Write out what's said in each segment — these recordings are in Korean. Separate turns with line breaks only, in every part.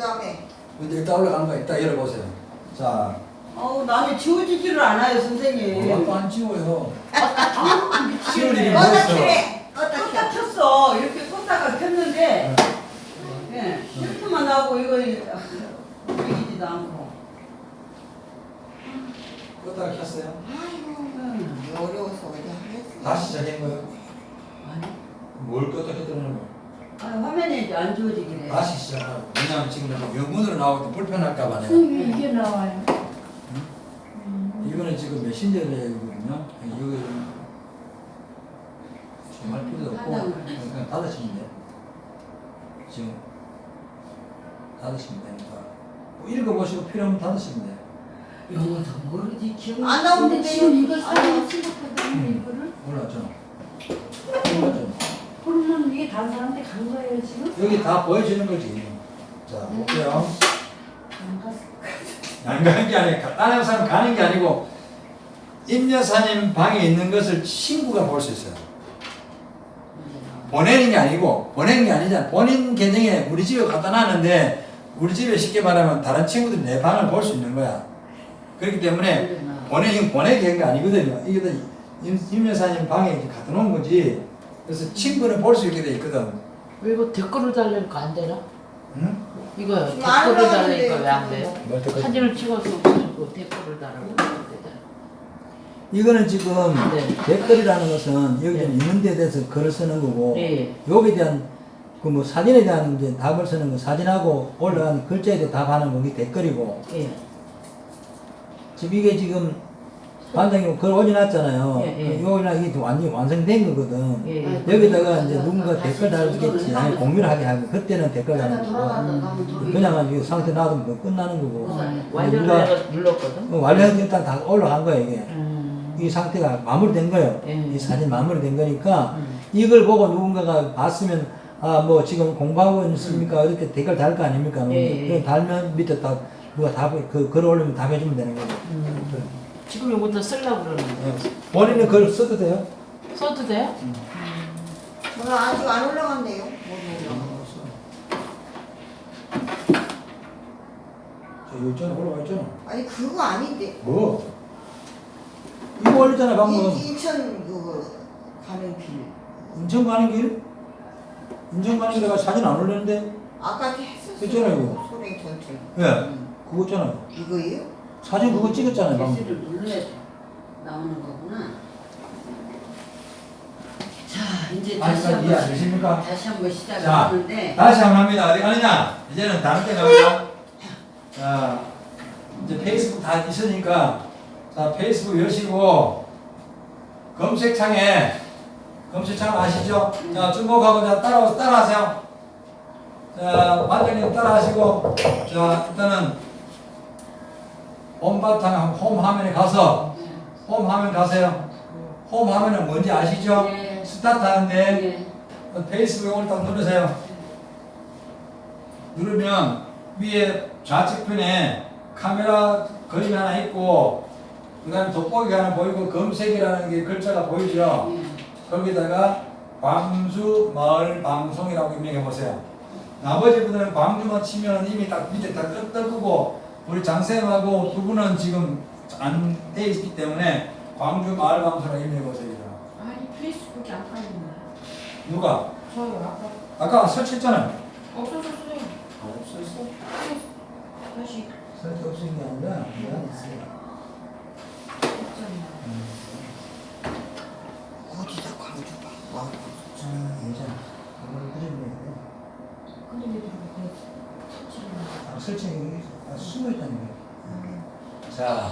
다음에.
근데 이따 올라가는 거 이따 열어보세요. 자.
남이 지워지지를 않아요, 선생님.
아까 안 지워요.
지울 일이 껐다 켰어. 이렇게 껐다가 켰는데, 예, 힐트만 나오고 이거 움직이지도 않고.
껐다가 켰어요.
어려워서 어디 하겠어.
다시 시작한 거예요.
아니,
뭘 껐다 켰다는 거예요.
화면에 이제 안 지워지긴 해.
다시 시작하고. 왜냐면 지금 영문으로 나올 때 불편할까 봐 내가.
선생님 이게 나와요.
이거는 지금 메신저거든요. 이거 좀 할 필요도 없고 그냥 닫으시면 돼요. 지금 닫으시면 되니까 뭐 읽어보시고 필요하면 닫으시면 돼요.
영어도 모르지, 기억
안
근데
나오는데
지금 이거 사진 찍었거든요. 이거를.
몰랐죠? 몰랐죠?
그러면 이게 다른 사람한테 간 거예요 지금?
여기 다 보여주는 거지. 자 볼게요.
안 갔어.
안 가는 게 아니고 다른 사람 가는 게 아니고 임 여사님 방에 있는 것을 친구가 볼 수 있어요. 보내는 게 아니고 보내는 게 아니잖아. 본인 계정에 우리 집에 갖다 놨는데 우리 집에 쉽게 말하면 다른 친구들이 내 방을 볼 수 있는 거야. 그렇기 때문에 이건 보내게 한 게 아니거든요. 이게 임 여사님 방에 이제 갖다 놓은 거지. 그래서 친구는 볼 수 있게 돼 있거든.
이거 댓글을 달라니까 안 되나?
응?
이거
지금 안
댓글을
올라오는데
달라니까 왜 안 돼요?
뭘 댓글?
사진을 찍어서 그리고 댓글을 달라고 하면 되잖아.
이거는 지금
네.
댓글이라는 것은 여기
네.
있는 데 대해서 글을 쓰는 거고
네.
여기에 대한 그 뭐 사진에 대한 이제 답을 쓰는 거 사진하고 올라간 글자에 대해 답하는 거 이게 댓글이고
예.
지금 이게 지금 반장님 글 올려놨잖아요.
예, 예.
이거 올려놔 이게 완전히 완성된 거거든.
예. 예.
여기다가 이제 누군가 댓글 달겠지. 아니 공유를 하게 하고 그때는 댓글 다는 거고 그냥 이 상태 놔두면 그거 끝나는 거고.
완료를
누가
내가 눌렀거든.
완료해서 일단 다 올라간 거야 이게. 이 상태가 마무리된 거예요.
예.
이 사진 마무리된 거니까 이걸 보고 누군가가 봤으면 아 뭐 지금 공부하고 있습니까? 이렇게 댓글 달 거 아닙니까?
예.
그 달면 밑에 다 누가 그 글을 올리면 답해주면 되는 거죠.
지금 이것도 쓰려고 그러는 거예요.
본인은 글 써도 돼요?
써도 돼요?
저는 아직 안 올라갔네요.
저 여기 있잖아 올라와 있잖아.
아니 그거 아닌데.
뭐? 이거 올렸잖아 방금.
인천 그 가는 길.
인천 가는 길? 인천 가는 길에 사진 안 올렸는데?
아까 했었어요.
있잖아요, 이거.
소랭 전철.
예. 그거 있잖아요.
이거예요?
사진 그거 찍었잖아요 방금.
개수를 눌러야 나오는 거구나. 자, 이제 다시
아직까지 이해 안
한번
되십니까?
다시 한번
자,
시작하는데
다시 한번 합니다. 어디 가느냐? 이제는 다른 데 갑니다. 자, 이제 페이스북 다 있으니까, 자, 페이스북 여시고, 검색창 아시죠? 자, 주목하고, 자, 따라하세요. 자, 반장님 따라하시고, 자, 일단은, 홈 화면에 가서, 홈 화면 가세요. 홈 화면은 뭔지 아시죠?
네.
스타트 하는데,
예.
페이스북 이걸 딱 누르세요. 누르면 위에 좌측편에 카메라 그림이 하나 있고 그 다음에 돋보기가 하나 보이고 검색이라는 게 글자가 보이죠. 거기다가 광주 마을 방송이라고 입력해 보세요. 나머지 분들은 광주만 치면 이미 딱 밑에 다 뜨고 우리 장쌤하고 두 분은 지금 안 돼 있기 때문에 광주 마을 방송이라고 입력해 보세요.
아니 페이스북이 안 깔린다.
누가?
저요
아까 설치했잖아요.
없어졌어요.
없었어?
다시
설치 없은 게 아니라 그냥 있어요.
했잖아요.
어디다 광주 봐.
괜찮아. 그걸 그리면
근데 왜 그렇게 설치를
설치는 숨어 있다는 거예요. 자,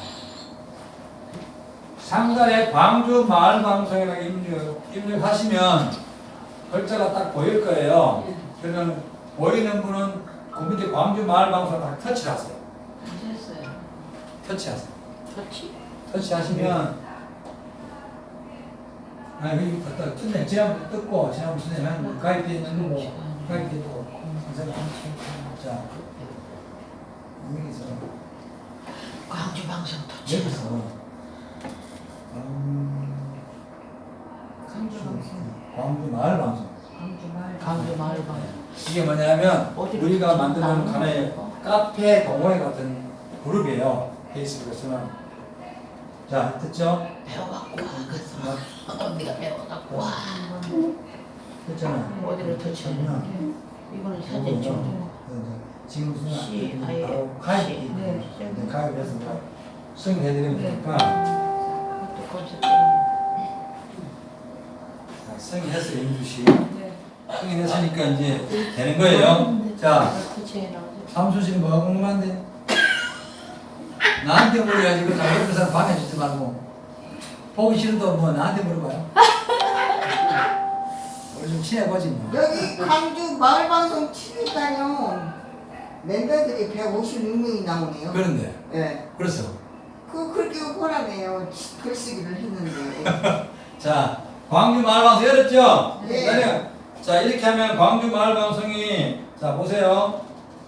상단에 광주 마을 방송이라고 입력하시면 글자가 딱 보일 거예요. 그러면 보이는 분은 그 밑에 광주 마을 방송을 딱 터치하세요.
됐어요.
터치하세요.
좋지?
터치하시면 아 여기 딱 떴네. 지난번 떴고 지난번 선생님 가입되어 있는 거고 가입되어 있고 선생님 자 여기서
광주 방송 터치.
여기서
광주 방송.
광주 마을 방송
광주 마을
광주 마을 방송.
이게 뭐냐면
어디로
우리가 만드는
나오는
하나의
거?
카페 동호회 같은 그룹이에요. 페이스북에서는. 자, 됐죠?
배워갖고 와. 그래서 언니가 배워갖고 와.
됐잖아.
어디로 터치해야 돼?
그러면
이거는 사진 좀.
지금
C, I,
바로 가입.
C.
네.
가입해서 승인해드리면 되니까
또 검색.
자, 승인했어요, 임주 씨.
네.
승인했으니까 이제 되는 거예요. 자,
터치해 나오죠.
삼수 씨는 뭐가 궁금한데? 나한테 물어야지. 그 옆에 사람 방해주지 말고. 보기 싫어도 뭐 나한테 물어봐요. 우리 좀 친해보지 뭐.
여기 광주 마을방송 치니까요. 멤버들이 156명이 나오네요.
그런데,
예.
그래서.
그렇게 호라네요. 글쓰기를 했는데.
자, 광주 마을방송 열었죠?
네.
그다음에 자, 이렇게 하면 광주 마을방송이, 자, 보세요.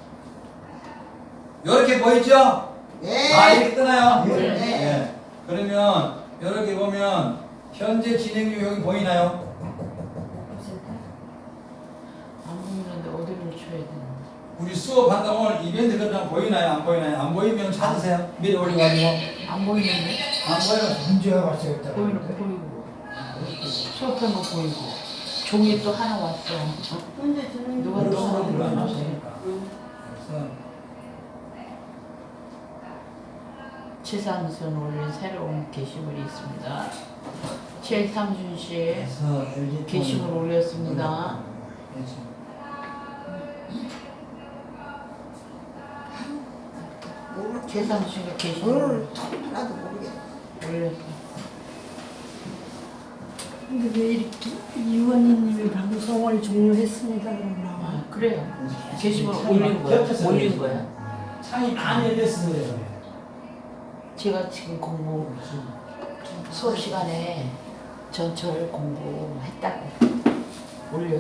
이렇게 보이죠?
네.
아, 이렇게 뜨나요?
네.
네. 그러면, 이렇게 보면, 현재 진행 중 여기 보이나요?
안 보이는데 어디로 쳐야 되나?
우리 수업한다 오늘 이벤트 그냥 보이나요? 안 보이나요? 안 보이면 찾으세요. 미리 올려가지고.
안 보이는데?
안 보이면
문제가 발생했다.
보이는 거 보이고. 수업한 거 보이고. 종이 또 하나 왔어.
근데 저는
누가 또 하나 불러놨어.
그래서
최상선 올린 새로운 게시물이 있습니다. 최상준 씨
그래서 LG
게시물 올렸습니다. 최상준 씨가 게시물
뭘 하나도 모르겠어.
올렸어.
근데 왜 이렇게 이원희님이 방송을 종료했습니다 그러나?
아, 그래요. 게시물 올린 거야? 올린 거야?
창이 많이 열렸어요.
제가 지금 공부 수업 시간에 전철 공부했다고 올려.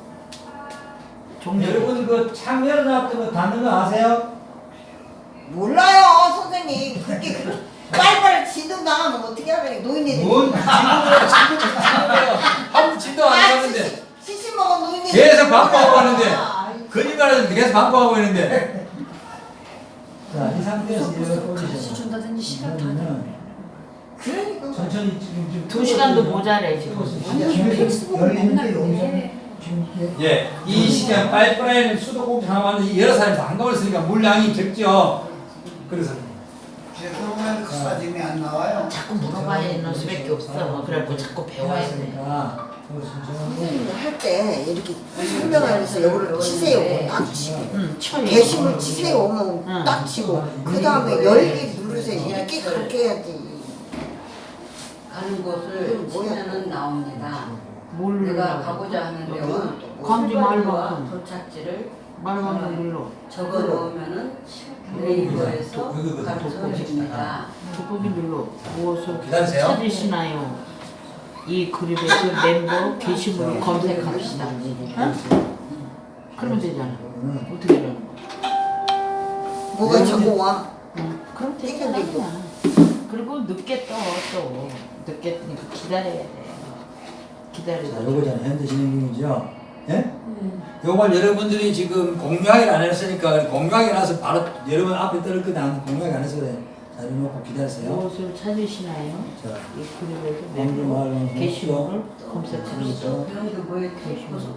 종료.
여러분 그 창 열어놨던 거 닫는 거 아세요?
몰라요, 선생님. 그렇게 빨빨 진동 나가면 어떻게 하래? 노인네들.
뭔 지도래요. 아무 지도 안 하는데
시시 먹은 노인네들.
계속 반복하고 하는데 거짓말하는데 계속 반복하고 있는데. 자, 이 상태에서 이거
가르쳐 준다든지 시간 다
그러니까.
천천히 지금
2시간도 모자래 지금.
아니요 페이스북은 맨날 해.
예, 이 시간 파이프라인 수도꼭지 하나 왔는데 여러 사람이 한꺼번에 쓰니까 물량이 적죠. 그래서
그러면 그 사진이 안 나와요.
자꾸 물어봐야 되는 수밖에 없어. 그래갖고 자꾸 배워야 돼.
해놨으니까 그거 신청하고
선생님들 할 때 이렇게 설명하면서 요거를 치세요. 딱 치고.
응, 쳐요.
게시물 치세요. 뭐
응.
딱 치고. 그 다음에 열기 누르세요. 이렇게 가르쳐야지.
가는 곳을 치면은 나옵니다.
뭘
내가
눌러?
가고자 하는 데와
광주 마을방송.
도착지를
말방송 눌러.
적어 놓으면은 네이버에서
여기
가르쳐 줍니다.
돋보기 눌러. 무엇을
기다리세요.
찾으시나요? 이 그룹에서 멤버 게시물을 검색합시다. 어? 그러면 되잖아. 어떻게 되는 거야?
뭐가 자꾸 와.
응. 그럼 되잖아. 그냥. 그리고 늦게 또 늦게 뜨니까 기다려야 돼. 기다려야
자,
돼.
요거잖아요. 현재 진행 중이죠. 예? 요걸 여러분들이 지금 공유하기를 안 했으니까 공유하기 나서 바로 여러분 앞에 떠올 거다 공유하기 안 해서 그래. 자, 이러놓고 기다리세요.
무엇을 찾으시나요?
자,
이 그룹에서
광주
멤버
마을방송
게시물을 검색합니다.
그런 게 뭐에 계시고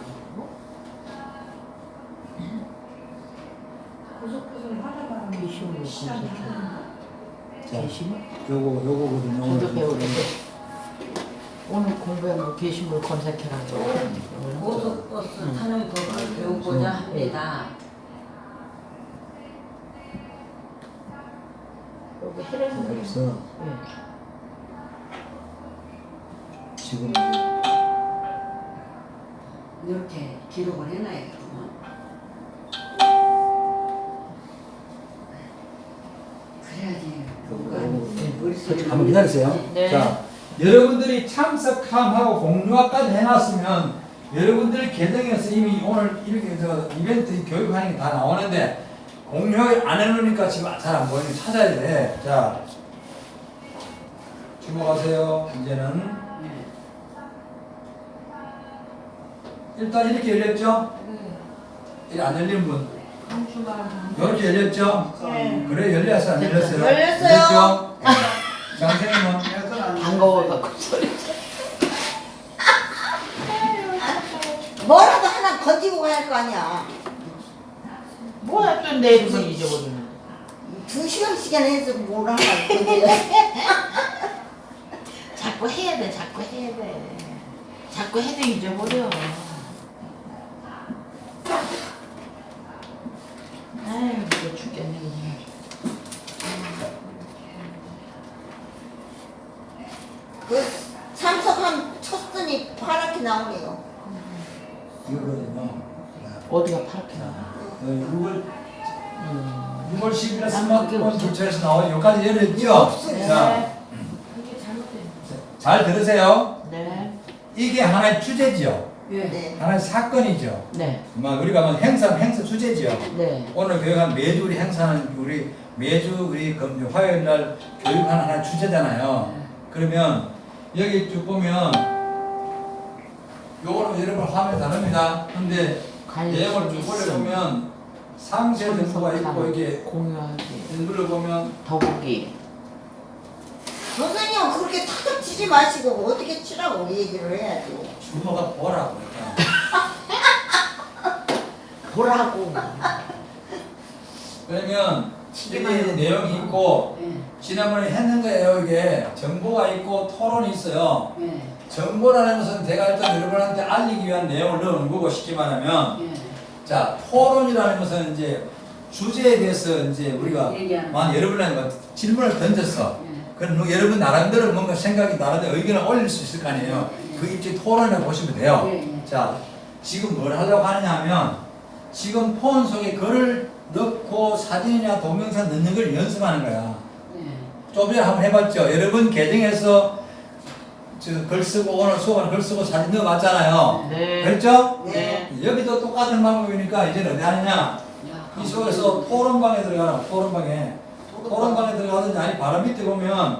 게시물을 검색해.
자,
게시물?
요거거든요.
저도 배우는데 오늘 공부한 거 게시물 검색해라고.
고속버스 타는 법을 배우고자 합니다.
여기 해라는 거 있어.
그래서
네.
지금
이렇게 기록을 해놔야겠구만. 그래야지 뭔가 머릿속에
한번 기다리세요.
네.
자, 여러분들이 참석함하고 공유화까지 해놨으면 여러분들 계정에서 이미 오늘 이렇게 저 이벤트 교육하는 게 다 나오는데 공유를 안 해놓으니까 지금 잘 안 보이는 찾아야 돼. 자, 주목하세요. 이제는
네.
일단 이렇게 열렸죠?
네.
이안 열린 분.
강주가
이렇게 열렸죠?
네.
그래 열렸어 안 열렸어요?
열렸어요.
열렸죠? 장생님은
그래서 안
반가워갖고 소리.
뭐라도 하나 건지고 가야 할 거 아니야.
뭐야 또 내일은 잊어버리는.
2시간씩이나 해서 뭘 하나 건져.
자꾸 해야 돼. 자꾸 해야 돼. 자꾸 해도 잊어버려. 아유 이거 죽겠네 그냥.
그 참석한 쳤더니 파랗게 나오네요.
이거거든요.
어디가 파랗게 나와?
6월 10일에 스마트폰 교체해서 나와요. 여기까지 열렸죠?
없어요.
자, 잘 들으세요.
네.
이게 하나의 주제지요.
네.
하나의 사건이죠.
네.
우리가 뭐 행사 주제지요.
네.
오늘 교육한 매주 우리 행사는 우리 매주 우리 화요일 날 교육하는 하나의 주제잖아요. 그러면 여기 쭉 보면 요거는 여러분 화면 다릅니다. 근데 내용을 쭉 올려보면 상세 정보가 있고 이게
공유하기.
눌러보면
더보기.
선생님은 그렇게 탁탁 치지 마시고 어떻게 치라고 얘기를 해야지.
주모가 보라고 그러니까.
보라고.
그러면 여기 내용이 있고 지난번에 했는 거예요. 이게 정보가 있고 토론이 있어요. 정보라는 것은 제가 일단 여러분한테 알리기 위한 내용을 넣은 거고 쉽게 말하면 자 토론이라는 것은 이제 주제에 대해서 이제 우리가 여러분한테 질문을 던졌어. 그럼 여러분 나름대로 뭔가 생각이 나름대로 의견을 올릴 수 있을 거 아니에요. 그 입지 토론이라고 보시면 돼요. 자 지금 뭘 하려고 하느냐 하면 지금 폰 속에 글을 넣고 사진이나 동영상 넣는 걸 연습하는 거야. 좀 전에 한번 해봤죠. 여러분 계정에서 글 쓰고 오늘 수업은 글 쓰고 사진 넣어봤잖아요.
네.
그랬죠?
네.
여기도 똑같은 방법이니까 이제는 어디 하느냐? 이 속에서 토론방에 들어가라. 토론방에 들어가든지 아니 바로 밑에 보면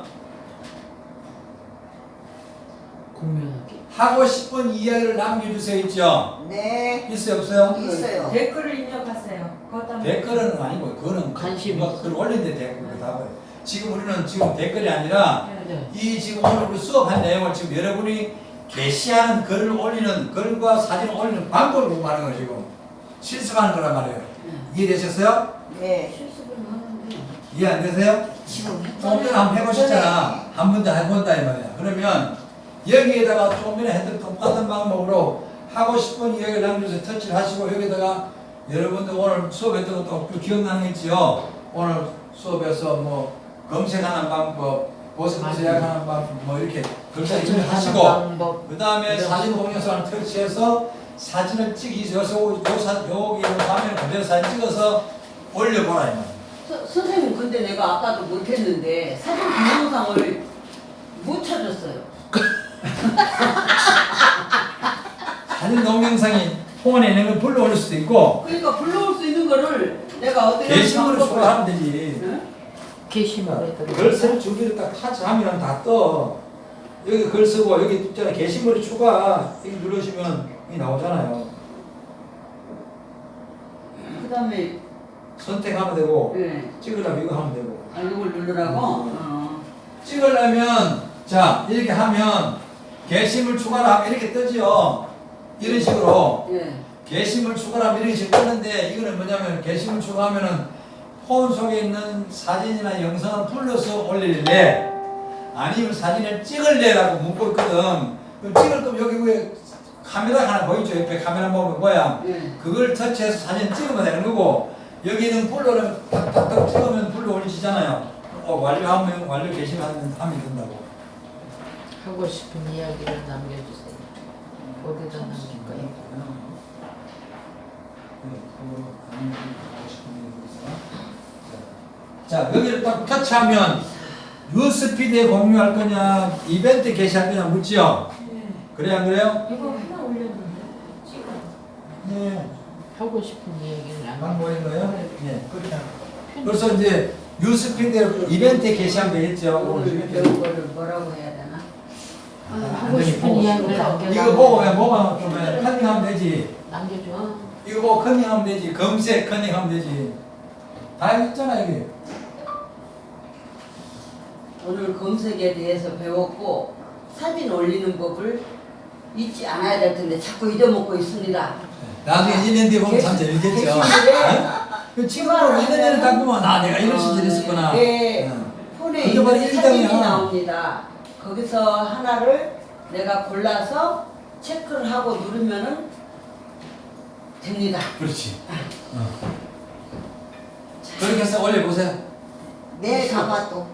공유하기.
하고 싶은 이야기를 남겨주세요 있죠?
네.
있어요 없어요?
있어요.
댓글을 입력하세요. 그것
댓글은 아니고 그거는
관심
누가 글 올린데 댓글 답을 지금 우리는 지금 댓글이 아니라
네.
이 지금 오늘 우리 수업한 내용을 지금 여러분이 게시하는 글을 올리는 글과 사진을 올리는 방법을 공부하는 거예요 지금 실습하는 거란 말이에요. 이해되셨어요?
네.
실습을 하는데
이해 안 되세요?
지금
조금 전에 한번 해보셨잖아. 한 번도 해본다 이 말이야. 그러면 여기에다가 조금 전에 했던 똑같은 방법으로 하고 싶은 이야기를 남겨서 터치를 하시고 여기다가 여러분들 오늘 수업했던 것도 기억나는 거 있지요? 오늘 수업에서 뭐 검색하는 방법, 보습 제약하는 방법 뭐 이렇게 글자 입력하시고 그 다음에 사진 동영상을 터치해서 사진을 여기서 화면에 그대로 사진 찍어서 올려보라 이 말이야.
선생님 근데 내가 아까도 못했는데 사진 동영상을 못 찾았어요.
사진 동영상이 폰에 있는 걸 불러 올릴 수도 있고
그러니까 불러올 수 있는 거를 내가 어떻게
게시물을 추가하면 되지.
게시물에다가.
글 쓸 준비를 딱 타치하면 다 떠. 여기 글 쓰고 여기 있잖아 게시물이 추가 여기 누르시면 이 나오잖아요.
그다음에
선택하면 되고
네.
찍으려면 이거 하면 되고
이걸 누르라고.
찍으려면 자 이렇게 하면 게시물 추가를 하면 이렇게 뜨지요. 이런 식으로
예.
게시물 추가를 하면 이런 식으로 뜨는데 이거는 뭐냐면 게시물 추가하면은 폰 속에 있는 사진이나 영상을 불러서 올릴래 아니면 사진을 찍을래라고 묻고 있거든. 그럼 찍을 거면 여기 위에 카메라 하나 보이죠? 옆에 카메라 보면 뭐야?
예.
그걸 터치해서 사진 찍으면 되는 거고 여기는 불러를 탁탁탁 찍으면 불러 올리시잖아요. 완료하면 완료 게시하면 하면 된다고.
하고 싶은 이야기를 남겨주세요. 어디다 남길까요?
자 여기를 딱 터치하면 뉴스피드에 공유할 거냐 이벤트 게시할 거냐 묻지요? 그래 안 그래요?
이거 하나 올렸는데 찍어.
네.
하고 싶은 이야기를
방
남겨.
보인 거예요? 네. 그래서 이제 뉴스피드에 이벤트 게시하면 되겠죠?
오늘 배운 거를 뭐라고 해야 되나?
하고 싶은 이야기를 남겨.
이거 보고 그냥 뭐가 좀 컨닝하면 되지.
남겨줘.
이거 뭐 컨닝하면 되지. 검색 컨닝하면 되지. 다 있잖아 이게.
오늘 검색에 대해서 배웠고 사진 올리는 법을 잊지 않아야 될 텐데 자꾸 잊어먹고 있습니다.
나중에 1년 뒤에 보면 참 재밌겠죠.
객실에
그 친구랑 2년 전에 딱 보면 아 내가 이런 시절이 있었구나.
네.
응.
폰에
그게 바로
있는 사진이
일당이야.
나옵니다. 거기서 하나를 내가 골라서 체크를 하고 누르면은 됩니다.
그렇지. 그렇게 해서 올려보세요.
내일 가봐 또.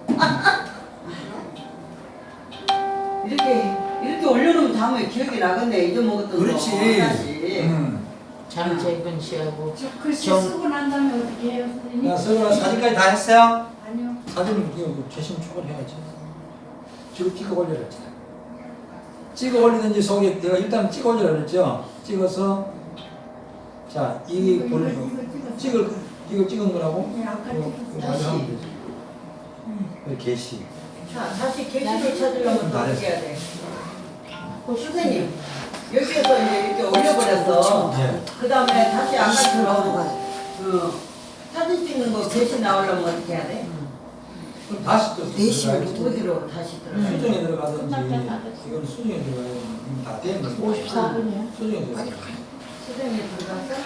이렇게 올려놓으면 다음에 기억이 나겠네. 잊어먹었던
그렇지.
거 하나씩.
장재근 씨하고
저 글씨
정-
쓰고 난 다음에 어떻게 해요, 선생님?
야, 서울아 사진까지 다 했어요?
아니요.
사진은 이거 최신 추가해야지. 지금 찍어 올려라 했잖아. 찍어 올리든지 속에 내가 일단 찍어 올리라 그랬죠. 찍어서 자 이게 보는 이거 찍은 거라고.
네, 아까
이거
찍었어요.
마저 하면 되지. 그 게시.
자, 다시 게시를 찾으려면
다
어떻게 해야 돼? 선생님, 여기에서 이제 이렇게 올려버려서
네.
그 다음에 다시 아까처럼 사진 찍는 거 게시 나오려면 어떻게 해야 돼?
그럼 다시 또
대신
들어가야지.
어디로 다시 들어가?
수정에 들어가든지
끝났다.
이건 수정에 들어가야 이미 다 되는 거.
54분이야.
수정에 들어가.
수정에 들어가서?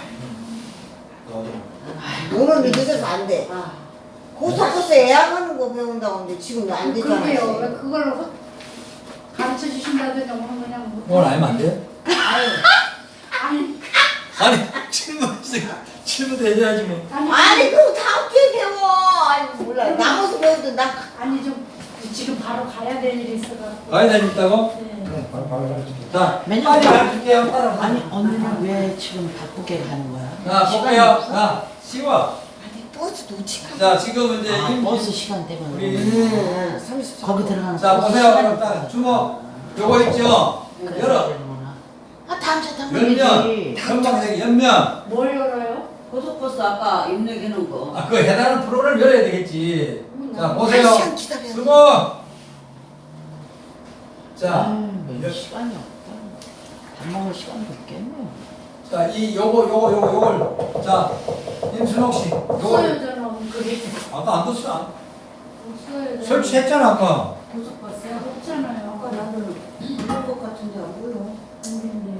너는 늦어서 안 돼.
아,
고속버스 예약하는 거 배운다고 하는데 지금 안
그러게요. 왜
되잖아.
그걸 가르쳐 주신다든지 뭐 그냥 못.
오늘 알면 안 돼요?
아니,
아니 질문도 해줘야지 뭐.
아니 그럼 다음 주에 배워. 아니 몰라. 남아서 배우든 나.
아니 좀 지금 바로 가야 될 일이 있어가지고.
많이 다녔다고?
네.
네, 바로 가르쳐줄게. 자,
맨날
빨리 가르쳐줄게요. 따라오세요.
아니 언니는 왜 지금 바쁘게 가는 거야?
자, 볼게요. 자, 쉬워.
아니 버스 놓치까.
자, 지금 이제
아, 버스 시간 때문에
우리
그러는구나.
30초.
거기 들어가는
자,
버스
보세요.
시간이
그럼 딱
있구나.
주먹. 요거 있죠?
그래서
열어.
되는구나. 아 다음 주
연면.
당근이지.
금방색 연면.
뭘 열어요?
고속버스 아까 입력해놓은 거.
아, 그 해당하는 프로그램을 열어야 되겠지. 자, 보세요.
한 시간 기다려야 돼.
주먹. 자,
아유, 시간이 없다. 밥 먹을 시간도 없겠네요.
자, 요걸. 자, 임순옥 씨. 요걸.
없어요, 저는 그게.
아까 안 뒀어.
없어요, 저는.
설치했잖아, 아까.
고속버스요? 없잖아요.
아까 나는 이런 것 같은데 안 보여.
선생님.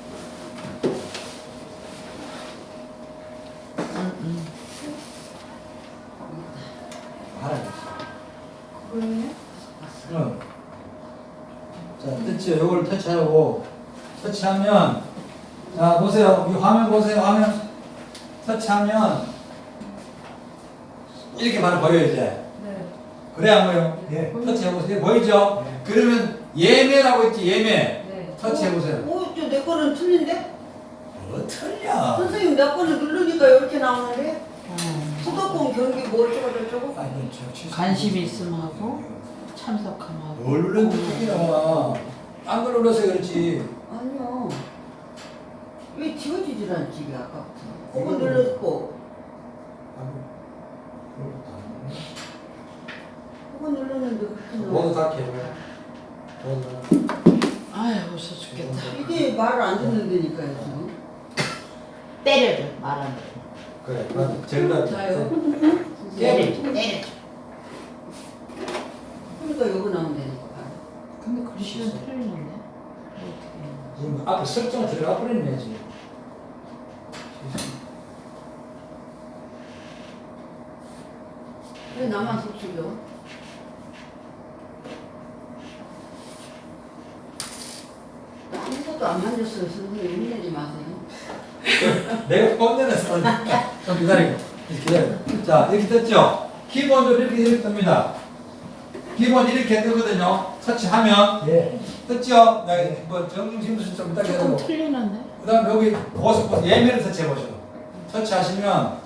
하나
그거예요?
응. 자, 됐죠? 요걸 터치하고, 터치하면, 자, 보세요. 이 화면 보세요. 화면. 터치하면, 이렇게 바로 보여요, 이제.
네.
그래, 안 보여요? 예. 터치해보세요. 보이죠? 그러면, 예매라고 있지, 예매.
네.
터치해보세요.
오, 내 거는 틀린데?
뭐 틀려?
선생님, 내 거는 누르니까 이렇게 나오는데?
음.
수도권 경기 뭐 어쩌고 저쩌고?
아, 이건
관심 있음 하고 참석함 하고.
뭘 눌렀는데 틀리나 봐. 딴걸 눌러서 그렇지.
아니요. 왜 지워지질 않지, 이게 아까부터. 그거 눌렀고, 그거 눌렀는데 그렇게
모두
나와.
다 개발.
아유 웃어 죽겠다.
이게 말을 안 듣는다니까요, 지금.
때려줘 말 안 돼.
그래, 맞아. 제일 낫지.
자요.
때려줘 때려줘.
그러니까 요거 나오면 되니까.
근데 글씨는 틀리는데 어떻게?
지금 앞에 설정 들어가 버렸네, 지금.
왜 나만 속속여? 아무것도 안 만졌어요, 선생님. 힘내지 마세요.
내가 뻔내놨어. 좀 기다리고. 자, 이렇게 됐죠? 키보드 이렇게 뜹니다. 키보드 이렇게 뜨거든요. 터치하면.
예.
떴죠? 뭐, 정심수 좀 이따
조금
기다리고.
틀리는데?
그 다음에 여기 고속버스 예매를 터치해보셔. 터치하시면